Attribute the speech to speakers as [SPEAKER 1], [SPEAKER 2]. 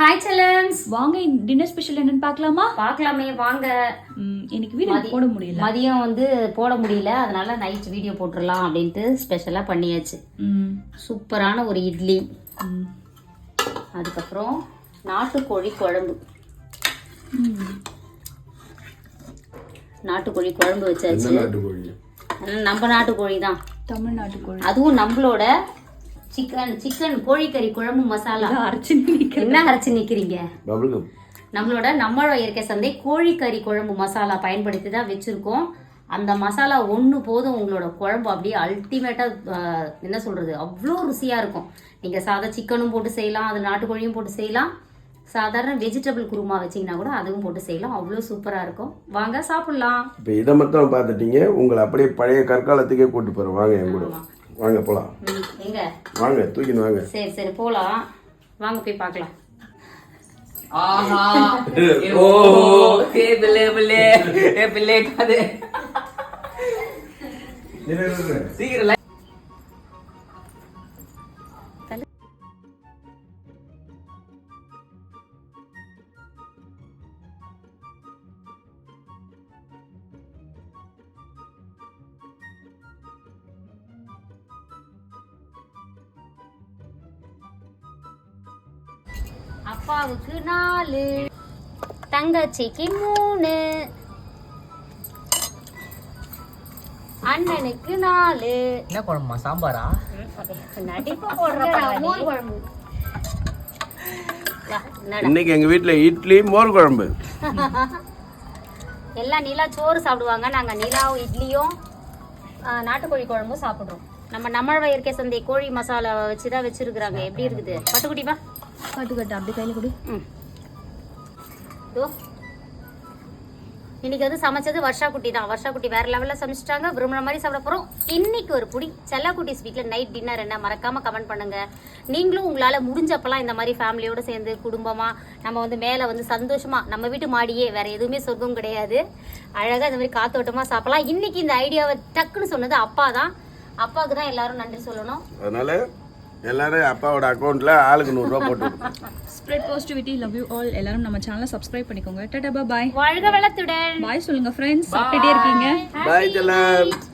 [SPEAKER 1] Hi செல்லம்ஸ்,
[SPEAKER 2] வாங்க dinner special என்னன்னு பார்க்கலாமா?
[SPEAKER 1] பார்க்கலாமே வாங்க.
[SPEAKER 2] இன்னைக்கு வீடியோ போட முடியல,
[SPEAKER 1] மதியம் வந்து போட முடியல, அதனால நைட் வீடியோ போட்டுடலாம் அப்படின்ட்டு ஸ்பெஷலா பண்ணியாச்சு. சூப்பரான ஒரு இட்லி, அதுக்கப்புறம் நாட்டுக்கோழி குழம்பு. நாட்டுக்கோழி குழம்பு வச்சாச்சு. நம்ம நாட்டுக்கோழி தான்,
[SPEAKER 2] தமிழ்நாட்டு கோழி.
[SPEAKER 1] அதுவும் நம்மளோட சிக்கன் கோழிக்கறி குழம்பு மசாலா. என்ன அரைச்சு நிக்கிறீங்க? நம்மளோட நம்மளோட இயற்கை சந்தை கோழிக்கறி குழம்பு மசாலா பயன்படுத்தி தான் வச்சிருக்கோம். அந்த மசாலா ஒன்று போதும், உங்களோட குழம்பு அப்படியே அல்டிமேட்டா என்ன சொல்றது, அவ்வளோ ருசியா இருக்கும். நீங்க சாதா சிக்கனும் போட்டு செய்யலாம், அது நாட்டுக்கோழியும் போட்டு செய்யலாம், சாதாரண வெஜிடபிள் குருமா வச்சீங்கன்னா கூட அதுவும் போட்டு செய்யலாம். அவ்வளோ சூப்பரா இருக்கும். வாங்க சாப்பிடலாம்.
[SPEAKER 3] இப்போ இதை மட்டும் பார்த்துட்டீங்க, உங்களை அப்படியே பழைய கற்காலத்துக்கே கூட்டு போறோம். வாங்க என் கூட, வாங்க போலாம்.
[SPEAKER 1] எங்க
[SPEAKER 3] வாங்க, தூக்கின்னு வாங்க.
[SPEAKER 1] சரி சரி போலாம், வாங்க போய் பார்க்கலாம்.
[SPEAKER 4] ஆஹா ஓ ஏ பிள்ளை ஏ பிள்ளை காது சீக்கிரம்
[SPEAKER 1] அப்பாவுக்கு 4, தங்கச்சிக்கு 3, அண்ணனுக்கு 4.
[SPEAKER 4] என்ன குழம்புமா? சாம்பாரா?
[SPEAKER 1] நடிப்பு போடுற மோர் குழம்பு.
[SPEAKER 3] இன்னைக்கு எங்க வீட்டுல இட்லி மோர் குழம்பு.
[SPEAKER 1] எல்லாம் நிலா சோறு சாப்பிடுவாங்க, நாங்க நிலாவும் இட்லியும் நாட்டுக்கோழி குழம்பும் சாப்பிடுறோம். நம்ம இயற்கை சந்தை கோழி மசாலா வச்சுதான் வச்சிருக்கிறாங்க. எப்படி இருக்குது பட்டுக்குட்டிப்பா?
[SPEAKER 2] கட்டு அப்படி கையில கொடு.
[SPEAKER 1] இன்னைக்கு வந்து சமைச்சது வர்ஷா குட்டி தான். வர்ஷா குட்டி வேற லெவல்ல சமைச்சிட்டாங்க. விரும்புற மாதிரி சாப்பிட போறோம். இன்னைக்கு ஒரு புடி செல்லா குட்டிஸ் வீட்ல நைட் டின்னர் என்ன, மறக்காம கமெண்ட் பண்ணுங்க. நீங்களும் உங்களால முடிஞ்சப்பெல்லாம் இந்த மாதிரி ஃபேமிலியோட சேர்ந்து குடும்பமா நம்ம வந்து மேல வந்து சந்தோஷமா, நம்ம வீட்டு மாடியே, வேற எதுவுமே சொர்க்கம் கிடையாது, அழகா இந்த மாதிரி காத்தோட்டமா சாப்பிடலாம். இன்னைக்கு இந்த ஐடியாவை டக்குன்னு சொன்னது அப்பா தான். அப்பாவுக்கு தான் எல்லாரும் நன்றி சொல்லணும்.
[SPEAKER 3] அதனால எல்லாரும் அப்பாவோட அக்கௌண்ட்ல ஆளுக்கு 100 ரூபாய் போட்டு
[SPEAKER 2] spread positivity, love you all. எல்லாரும் நம்ம சேனலை சப்ஸ்கிரைப் பண்ணிக்கோங்க. டாடா பாய்.
[SPEAKER 1] வாழ்க வளத்துடன்.
[SPEAKER 2] பாய் சொல்லுங்க ஃப்ரெண்ட்ஸ். சாப்பிட்டுட்டே இருக்கீங்க.
[SPEAKER 3] பாய் செல்லம்.